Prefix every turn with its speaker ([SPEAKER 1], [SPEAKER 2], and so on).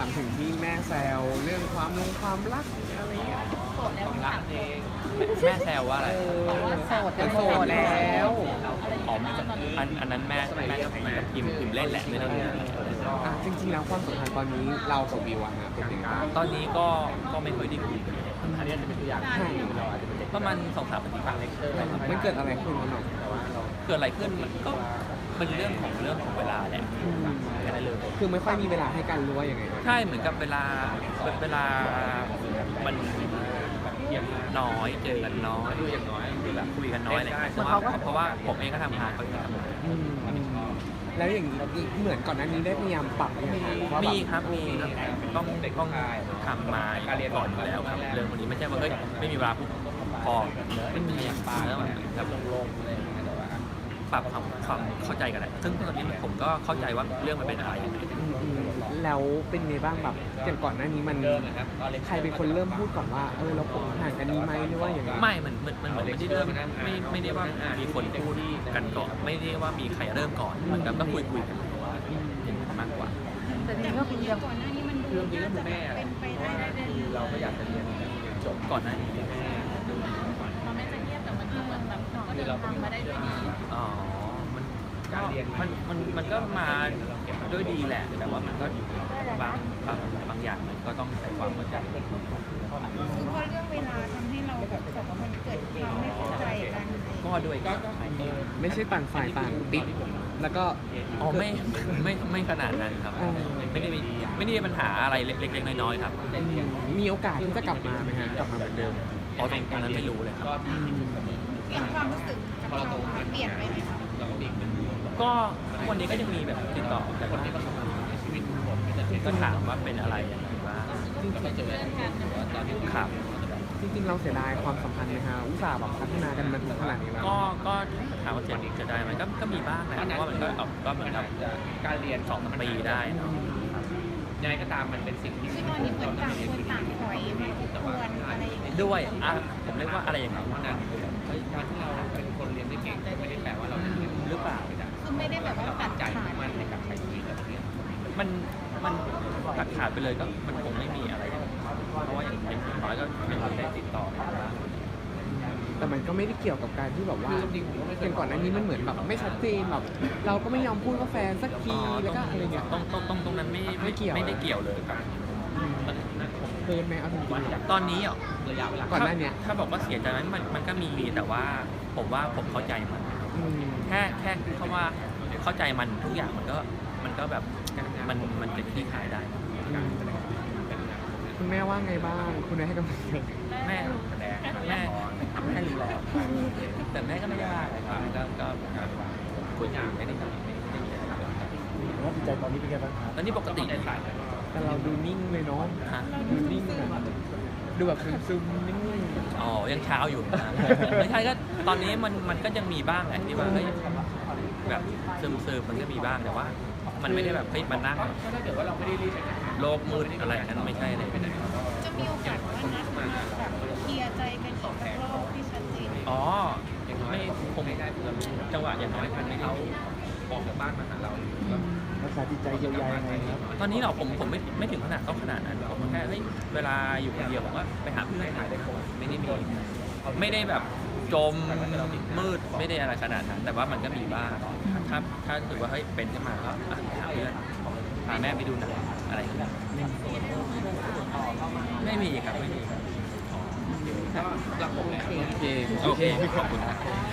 [SPEAKER 1] ามถึงที่แม่แซวเรื่องความรักอะไรเงี้ย
[SPEAKER 2] โสดแล้วถามเอง
[SPEAKER 3] แม่แซวว่าอะไร
[SPEAKER 1] โสดแล้ว
[SPEAKER 3] อ๋ออันนั้นแม่ก็เหมือนกับพิมพ์เล่นแหละไม่ต้อง
[SPEAKER 1] จริงๆแล้วความสัมพันธ์ตอนนี้เรากับวิวอะฮะเป็นยังไงบ้าง
[SPEAKER 3] ตอนนี้ก็ไม่ค่อยได้คุยกัน
[SPEAKER 2] อันนี้จะเป็นตัวอย่าง
[SPEAKER 1] ใช่
[SPEAKER 3] ประมาณ2-3 อาทิตย์
[SPEAKER 1] มันเกิดอะไรขึ้นกันหน่อย
[SPEAKER 3] เกิดอะไรขึ้นมันก็เป็นเรื่องของเวลาแหละแค่นั้นเลย
[SPEAKER 1] คือไม่ค่อยมีเวลาให้กันรู้ว่ายังไง
[SPEAKER 3] ใช่เหมือนกับเวลามันน้อยเจอกันน้อยแบบคุยกันน้อยอะไรอย่างเงี้ยเพราะว่าผมเองก็ทำงานเขาเองก็ทำงาน
[SPEAKER 1] แล้วอย่างนี้เหมือนก่อนหน้านี้ได้พยายามปรับยังไงว่าแบบ
[SPEAKER 3] มีครับมีต้องทำมาก่อนอยู่แล้วครับเรื่องพวกนี้ไม่ใช่ว่าเฮ้ยไม่มีเวลาปุ๊บพอไม่มีอย่างปลาแล้วแบบลงอะไรอย่างเงี้ยแต่ว่าปรับความเข้าใจกันแหละซึ่งตอนนี้ผมก็เข้าใจว่าเรื่องมันเป็นอะไรยังไง
[SPEAKER 1] แล้วเป็นไงบ้างแบบอย่างก่อนหน้านี้มันใครเป็นคนเริ่มพูดก่อนว่าเราคบห่างกันดีไหมหรือว่าอย่างไร
[SPEAKER 3] ไม่มันเหมือนไม่ได้เริ่มไม่ได้ว่ามีคนพูดกันก่อนไม่ได้ว่ามีใครเริ่มก่อนเหมือนกับก็คุยกันอย่างนั้นมากกว่า
[SPEAKER 2] แต่นี่ก็คือก่อนหน้านี้มันดูน่าจะเป็นไปได้เราก็อยากจะเรียนจบ
[SPEAKER 3] ก่อนหน้านี้
[SPEAKER 2] มันไม่จะเงียบแต่มันก็เหมือนแบบก็เดินทางมาได้ด้วยดี
[SPEAKER 3] อ๋อมันก็มาด้วยดีแหละ แต่ว่ามันก็บางอย่างมันก็ต้องใส่ความเข้าใจ
[SPEAKER 4] คือเพราะเรื่องเวลาทำให้เราแบบสองคนเกิดความไม่เข้าใจกัน
[SPEAKER 3] ก็ด้วยก็
[SPEAKER 1] ไม่ใช่ต่างฝ่ายต่างติดแล้วก็
[SPEAKER 3] อ๋อไม่ขนาดนั้นครับไม่ได้มีปัญหาอะไรเล็กๆน้อยๆครับ
[SPEAKER 1] มีโอกาสที่จะกลับมาไหมฮะกลับมาเหมือนเดิม
[SPEAKER 3] อ๋อตรงนั้นไม่รู้เลยครับ
[SPEAKER 4] อย่างความรู้สึกของเราเปลี่ยนไปไหมคะ
[SPEAKER 3] ก็วันนี้ก็ยังมีแบบติดต่อแต่ว่าก็ถามว่าเป็นอะไรอย่างไรบ้างครับ
[SPEAKER 1] จริงๆเราเสียดายความสัมพันธ์ไหมฮะอุตส่าห์แบบพัฒนากันมาถึงขนาดนี้แล้ว
[SPEAKER 3] ก็ถามว่าจะได้ไหมก็มีบ้างแหละเพราะว่ามันก็เหมือนกับการเรียน2 ปีได้เนาะยังไงก็ตามมันเป็นสิ่งที่
[SPEAKER 4] คือตอนนี้เหมือนต่างคนต่างถอยไม่ควรอะไรอย่างเงี้ย
[SPEAKER 3] ด้วยผมเรียกว่าอะไรอย่างนั้น
[SPEAKER 2] นั้นการที่เราเป็นคนเรียนได้เก่งไม่ได้แปลว่าเราจะเรียน
[SPEAKER 3] หรือเปล่า
[SPEAKER 4] คือไม่ได้แบบว่าตัด
[SPEAKER 2] ใจ
[SPEAKER 4] ขาด
[SPEAKER 2] มันในการใช้ชีวิตแบบนี้
[SPEAKER 3] มันตัดขาดไปเลยก็มันคงไม่มีอะไรอย่างนั้นเพราะว่าอย่างน้อยก็ยังได้ติดต่อกันบ้าง
[SPEAKER 1] แต่มันก็ไม่ได้เกี่ยวกับการที่แบบว่าอย่างก่อนหน้านี้มันเหมือนแบบไม่ชัดเจนแบบเราก็ไม่ยอมพูดว่าแฟนสักทีแล้วก็อะไรเงี้ย
[SPEAKER 3] ตรงนั้นไม่ได้เกี่ยวเลยครับ
[SPEAKER 1] เกินไหมเอาจริง
[SPEAKER 3] ตอนนี้อ่ะ
[SPEAKER 2] ระยะเวลา
[SPEAKER 1] ๆก่อนหน้าเนี้ย
[SPEAKER 3] ถ้าบอกว่าเสียใจไหมมันก็มีแต่ว่าผมว่าผมเข้าใจมัน แค่เขาว่าเข้าใจมันทุกอย่างมันก็แบบมันจะคลี่คลายได้
[SPEAKER 1] คุณแม่ว่าไงบ้างคุณแม่ให้กำลังใจ
[SPEAKER 3] แม่รู้แล้วแต่แม่ก็ไม่ได้ว่าอะไรครับก็คุยกันไม่ได้มีอะไร
[SPEAKER 5] ว่าจิตใจตอนนี้เป็นไงบ้างครับ
[SPEAKER 3] ตอนนี้ปกติ
[SPEAKER 1] แต่เราดูนิ่งเลยเนาะ
[SPEAKER 3] ฮะ
[SPEAKER 1] ดูนิ่งอะดูแบบซึมๆนิ่ง
[SPEAKER 3] อ๋อยังเช้าอยู่นะไม่ใช่ก็ตอนนี้มันก็ยังมีบ้างแหละที่ว่าเฮ้ยแบบซึมมันก็มีบ้างแต่ว่า มันไม่ได้แบบเฮ้ยมันนั่ง
[SPEAKER 2] ถ้าเกิดว่าเราไม่ได้รีบ
[SPEAKER 3] โลกมืดอะไรนั้นไม่ใช่เลย
[SPEAKER 4] จะมีโอกาสว่านัดมาแบบเคลียร์ใจกันอีกสักรอบที่ชัดเจน
[SPEAKER 3] อ๋อไม่คงจังหวะอย่างน้อยมันไม่เขา
[SPEAKER 2] ออกจากบ้านมาหาเรา
[SPEAKER 5] รักษาจิตใจเยียวยายังไงครับ
[SPEAKER 3] ตอนนี้เราผมไม่ถึงขนาดต้องขนาดนั้นผมแค่เฮ้ยเวลาอยู่คนเดียวผมว่าไปหาเพื่อนถ่ายได้คนไม่ได้แบบจมมืดไม่ได้อะไรขนาดนั้นแต่ว่ามันก็มีบ้างถ้าถือว่าเฮ้ยเป็นขึ้นมาก็หาเพื่อนพาแม่ไปดูหนังอะไรอย่างเงี้ยไม่มีครับไม่มี
[SPEAKER 2] ก็รับผมแล้ว
[SPEAKER 1] ๆโอเค
[SPEAKER 3] โอเคขอบคุณครับ